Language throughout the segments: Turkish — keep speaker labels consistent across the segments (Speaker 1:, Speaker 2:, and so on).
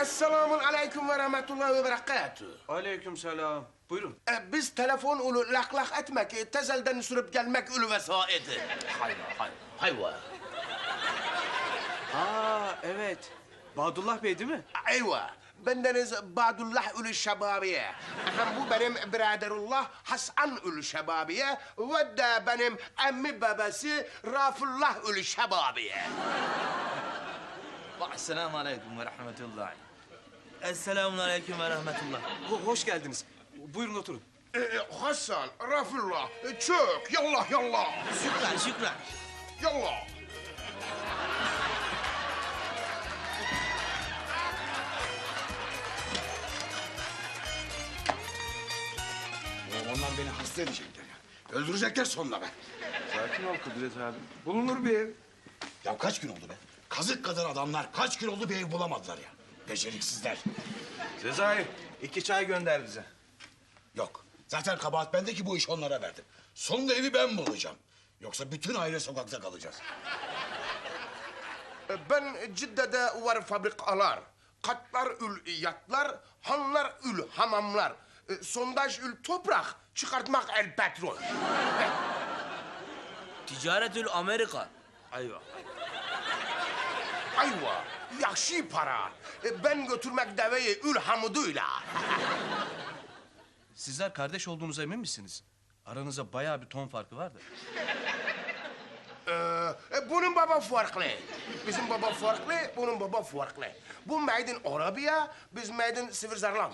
Speaker 1: Esselamun aleyküm ve rahmetullahi ve berekatuhu.
Speaker 2: Aleykümselam. Buyurun.
Speaker 1: Biz telefon ulu lak lak etmek, tezelden sürüp gelmek ulu vesaiti. Hayva.
Speaker 2: Evet. Badullah Bey değil mi?
Speaker 1: Ayva. Bendeniz Badullah ulu şebabiye. Hem bu benim biraderullah Hasan ulu şebabiye ve de benim emmi babası Rafullah ulu şebabiye.
Speaker 3: Esselamu aleyküm ve rahmetullah. Esselamu aleyküm ve rahmetullah.
Speaker 2: Hoş geldiniz. Buyurun oturun.
Speaker 1: Hasan, Rafullah, çök, yallah yallah.
Speaker 3: Şükran, şükran.
Speaker 1: Yallah.
Speaker 4: Onlar beni hasta edecekler ya. Öldürecekler sonuna be.
Speaker 5: Sakin ol Kudret abi. Bulunur bir ev.
Speaker 4: Ya kaç gün oldu be? Kazık kadar adamlar kaç gün oldu bir ev bulamadılar ya. Beceriksizler.
Speaker 5: Sezai, 2 çay gönder bize.
Speaker 4: Yok. Zaten kabahat bende ki bu iş onlara verdim. Sonunda evi ben bulacağım. Yoksa bütün aile sokakta kalacağız.
Speaker 1: Ben Cidde'de var fabrikalar. Katlar ül yatlar, hanlar ül hamamlar. Sondaj ül toprak, çıkartmak el petrol.
Speaker 3: Ticaretül Amerika. Ayva.
Speaker 1: Ayva, yakşı para. Ben götürmek deveyi ül hamuduyla.
Speaker 2: Sizler kardeş olduğunuza emin misiniz? Aranızda bayağı bir ton farkı var da.
Speaker 1: Bunun baba farklı. Bizim baba farklı, bunun baba farklı. Bu made in Arabia, biz made in Switzerland.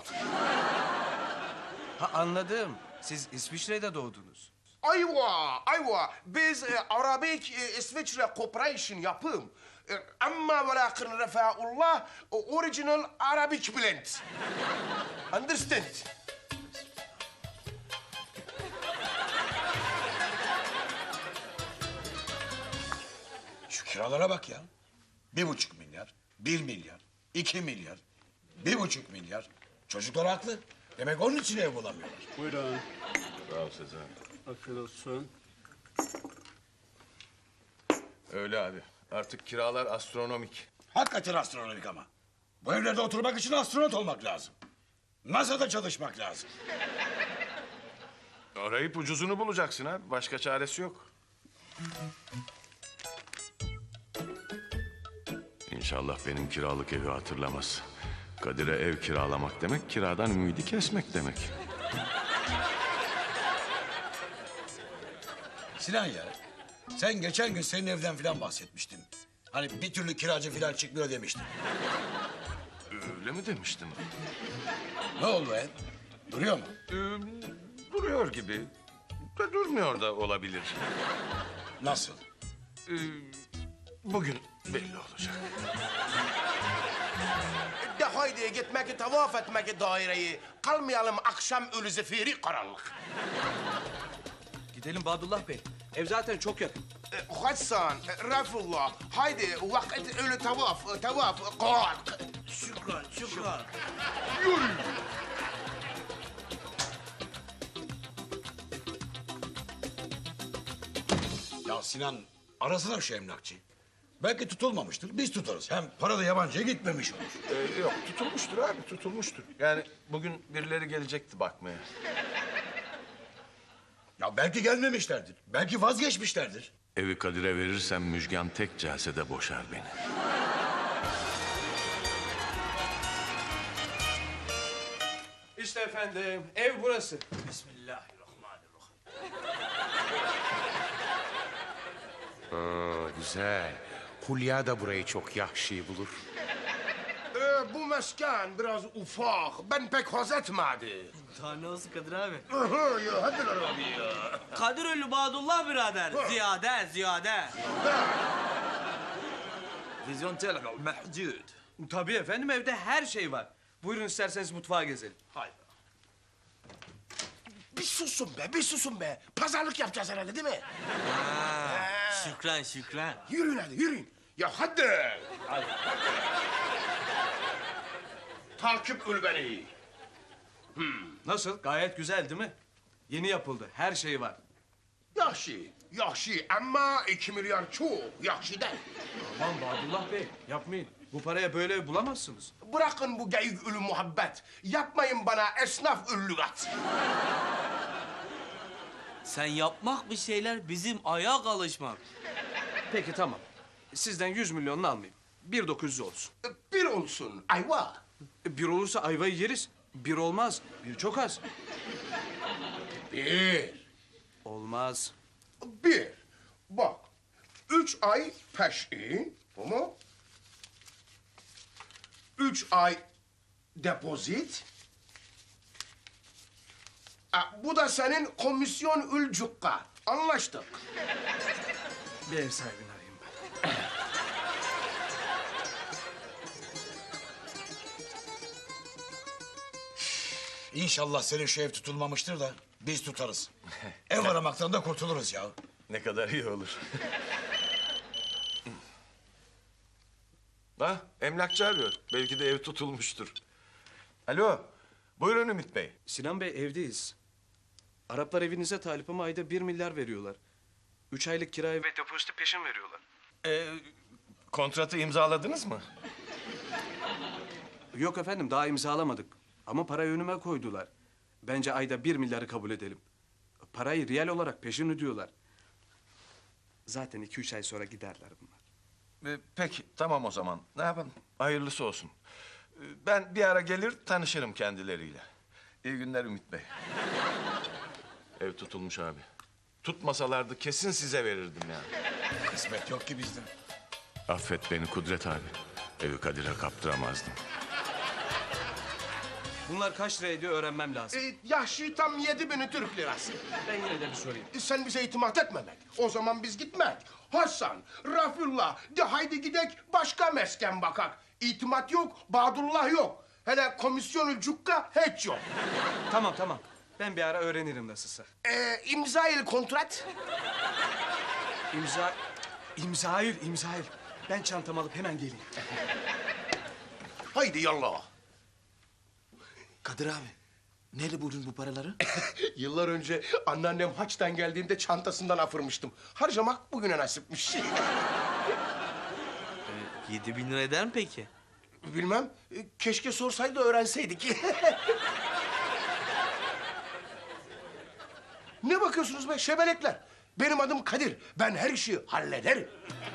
Speaker 2: Ha anladım. Siz İsviçre'de doğdunuz.
Speaker 1: Ayva. Biz Arabik İsviçre Corporation yapım. Ama ve lakin refaullah original Arabic blend. Understand?
Speaker 4: Şu kiralara bak ya. 1,5 milyar, 1 milyar, 2 milyar, 1,5 milyar. Çocuklar haklı. Demek onun için ev bulamıyorlar.
Speaker 6: Buyurun.
Speaker 5: Sağ ol Sezai.
Speaker 6: Afiyet olsun.
Speaker 5: Öyle abi. Artık kiralar astronomik.
Speaker 4: Hakikaten astronomik ama. Bu evlerde oturmak için astronot olmak lazım. NASA'da çalışmak lazım.
Speaker 5: Arayıp ucuzunu bulacaksın abi. Başka çaresi yok. İnşallah benim kiralık evi hatırlamaz. Kadir'e ev kiralamak demek, kiradan ümidi kesmek demek.
Speaker 4: Sinan ya, sen geçen gün senin evden falan bahsetmiştin. Hani bir türlü kiracı falan çıkmıyor demiştin.
Speaker 5: Öyle mi demiştim?
Speaker 4: Ne oldu ev? Duruyor mu?
Speaker 5: Duruyor gibi. Da durmuyor da olabilir.
Speaker 4: Nasıl?
Speaker 5: Bugün belli olacak.
Speaker 1: De haydi gitmek, tavaf etmek daireyi. Kalmayalım akşam ölü zifiri karanlık.
Speaker 2: Gidelim Badullah Bey. Ev zaten çok yakın.
Speaker 1: Hasan, Rafullah, haydi vakit ölü tavaf, kalk.
Speaker 3: Şükran, şükran.
Speaker 4: Ya Sinan, arasana şu emlakçıyı. Belki tutulmamıştır, biz tutarız. Hem para da yabancıya gitmemiş olur.
Speaker 5: Yok, tutulmuştur abi, tutulmuştur. Yani bugün birileri gelecekti bakmaya.
Speaker 4: Ya belki gelmemişlerdir, belki vazgeçmişlerdir.
Speaker 5: Evi Kadir'e verirsem Müjgan tek celsede boşar beni.
Speaker 2: İşte efendim, ev burası.
Speaker 3: Bismillahirrahmanirrahim.
Speaker 7: Güzel. Hulya da burayı çok yahşi bulur.
Speaker 1: Bu mesken biraz ufak, ben pek haz etmedi.
Speaker 3: Daha ne olsun Kadir abi?
Speaker 1: Ya hadi lan abi ya.
Speaker 3: Kadiröllü Badullah birader. Ziyade. Vizyon telefon mehcud.
Speaker 2: Tabii efendim, evde her şey var. Buyurun isterseniz mutfağa gezelim.
Speaker 3: Haydi.
Speaker 1: Bir susun be. Pazarlık yapacağız herhalde değil mi?
Speaker 3: Şükran.
Speaker 1: Yürüyün hadi, yürüyün. Ya hadi. Takip ül beni.
Speaker 2: Nasıl? Gayet güzel değil mi? Yeni yapıldı, her şey var.
Speaker 1: Yaxşı ama 2 milyar çok. Yaxşı değil.
Speaker 2: Aman Badullah Bey, yapmayın. Bu paraya böyle ev bulamazsınız.
Speaker 1: Bırakın bu geyik ülü muhabbet. Yapmayın bana esnaf üllügat.
Speaker 3: Sen yapmak bir şeyler, bizim ayağa alışmak.
Speaker 2: Peki tamam. Sizden 100 milyonunu almayayım. 1.900 olsun.
Speaker 1: Bir olsun ayva.
Speaker 2: Bir olursa ayvayı yeriz. Bir olmaz. Bir çok az.
Speaker 1: Bir.
Speaker 2: Olmaz.
Speaker 1: Bir. Bak. 3 ay peşin. Bu mu? 3 ay depozit. Bu da senin komisyon ülcukka. Anlaştık.
Speaker 2: Bir ev sahibini arayayım ben.
Speaker 4: İnşallah senin şu ev tutulmamıştır da biz tutarız. Ev aramaktan da kurtuluruz ya.
Speaker 5: Ne kadar iyi olur. Ha, emlakçı arıyor. Belki de ev tutulmuştur. Alo, buyurun Ümit Bey.
Speaker 2: Sinan Bey evdeyiz. Araplar evinize talip ama ayda 1 milyar veriyorlar. 3 aylık kirayı ve depoziti peşin veriyorlar.
Speaker 5: Kontratı imzaladınız mı?
Speaker 2: Yok efendim daha imzalamadık. Ama parayı önüme koydular. Bence ayda 1 milyarı kabul edelim. Parayı riyal olarak peşin ödüyorlar. Zaten 2-3 ay sonra giderler bunlar.
Speaker 5: Peki, tamam o zaman. Ne yapalım? Hayırlısı olsun. Ben bir ara gelir tanışırım kendileriyle. İyi günler Ümit Bey. Ev tutulmuş abi. Tutmasalardı kesin size verirdim yani.
Speaker 4: Kısmet yok ki bizde.
Speaker 5: Affet beni Kudret abi. Evi Kadir'e kaptıramazdım.
Speaker 2: Bunlar kaç lira ediyor öğrenmem lazım.
Speaker 1: Yahşi tam 7.000 Türk lirası.
Speaker 2: Ben yine de bir sorayım.
Speaker 1: Sen bize itimat etmemek. O zaman biz gitmek. Hasan, Rafullah, de haydi gidek başka mesken bakak. İtimat yok, Badullah yok. Hele komisyon cukka hiç yok.
Speaker 2: Tamam tamam. Ben bir ara öğrenirim nasılsa.
Speaker 1: İmza il kontrat.
Speaker 2: İmzail. Ben çantamı alıp hemen geleyim.
Speaker 1: Haydi yallah.
Speaker 6: Kadir abi, nerede buldun bu paraları?
Speaker 1: Yıllar önce anneannem haçtan geldiğinde çantasından afırmıştım. Harcamak bugüne nasipmiş.
Speaker 3: 7.000 lira eder mi peki?
Speaker 1: Bilmem, keşke sorsaydı öğrenseydik. Ne bakıyorsunuz be şebelekler? Benim adım Kadir, ben her işi hallederim.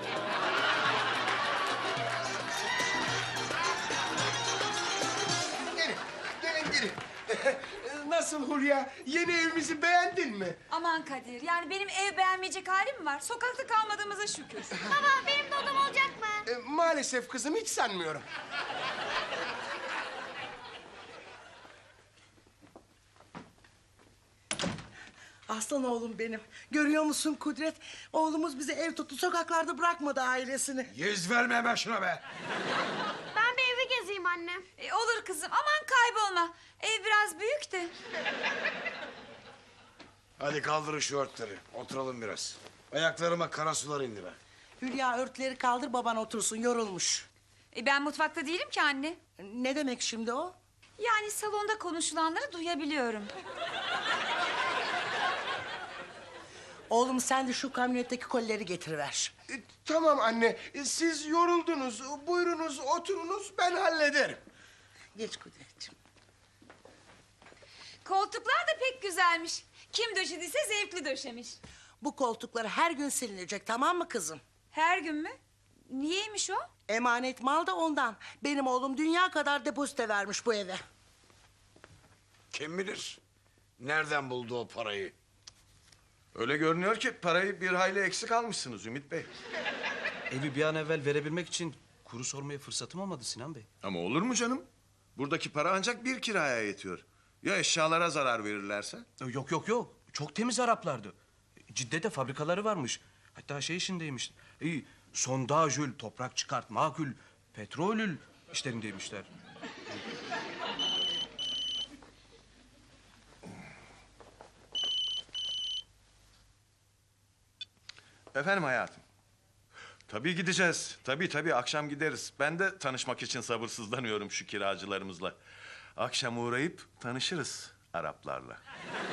Speaker 1: Gelin. Nasıl Hulya? Yeni evimizi beğendin mi?
Speaker 8: Aman Kadir, yani benim ev beğenmeyecek halim mi var? Sokakta kalmadığımıza şükür.
Speaker 9: Baba benim de odam olacak mı?
Speaker 1: Maalesef kızım, hiç sanmıyorum.
Speaker 10: Aslan oğlum benim. Görüyor musun Kudret? Oğlumuz bize ev tuttu, sokaklarda bırakmadı ailesini.
Speaker 4: Yüz verme hemen şuna be.
Speaker 9: Ben bir evi gezeyim annem.
Speaker 8: Olur kızım, aman kaybolma. Ev biraz büyük de.
Speaker 4: Hadi kaldırın şu örtleri. Oturalım biraz. Ayaklarıma kara sular indi be.
Speaker 10: Hülya örtüleri kaldır, baban otursun, yorulmuş.
Speaker 8: Ben mutfakta değilim ki anne.
Speaker 10: Ne demek şimdi o?
Speaker 8: Yani salonda konuşulanları duyabiliyorum.
Speaker 10: Oğlum sen de şu kamyonetteki kolileri getiriver.
Speaker 1: Tamam anne, siz yoruldunuz. Buyurunuz, oturunuz, ben hallederim.
Speaker 10: Geç Kudretciğim.
Speaker 8: Koltuklar da pek güzelmiş. Kim döşediyse zevkli döşemiş.
Speaker 10: Bu koltuklar her gün silinecek, tamam mı kızım?
Speaker 8: Her gün mü? Niyeymiş o?
Speaker 10: Emanet mal da ondan. Benim oğlum dünya kadar depozite vermiş bu eve.
Speaker 4: Kim bilir? Nereden buldu o parayı?
Speaker 5: Öyle görünüyor ki parayı bir hayli eksik almışsınız Ümit Bey.
Speaker 2: Evi bir an evvel verebilmek için kuru sormaya fırsatım olmadı Sinan Bey.
Speaker 5: Ama olur mu canım? Buradaki para ancak bir kiraya yetiyor. Ya eşyalara zarar verirlerse?
Speaker 2: Yok. Çok temiz Araplardı. Cidde'de fabrikaları varmış. Hatta şey işindeymiş. Sondajül, toprak çıkartma kül, petrolül işlerindeymişler.
Speaker 5: Efendim hayatım. Tabii gideceğiz. Tabii akşam gideriz. Ben de tanışmak için sabırsızlanıyorum şu kiracılarımızla. Akşam uğrayıp tanışırız Araplarla.